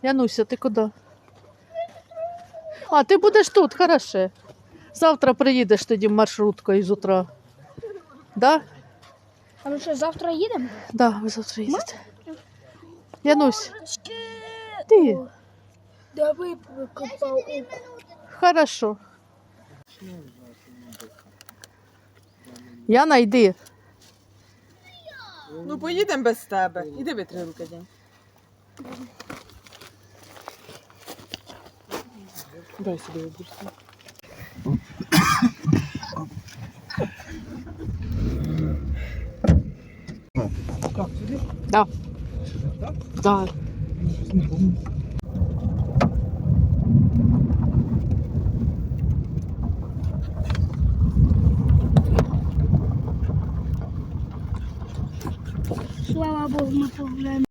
Януся, ти куди? А, ти будеш тут, хорошо. Завтра приїдеш тоді маршруткою з утра. Да? А ми що, завтра їдемо? Да, ви завтра їдете. Янусь, ти? Давай покопав. Хорошо. Яна, йди. Ну поїдемо без тебе. Іди витри руки, день. Дай собі вибірся. Как, сюди? Да. Да. Слава Богу, ми погуляємо.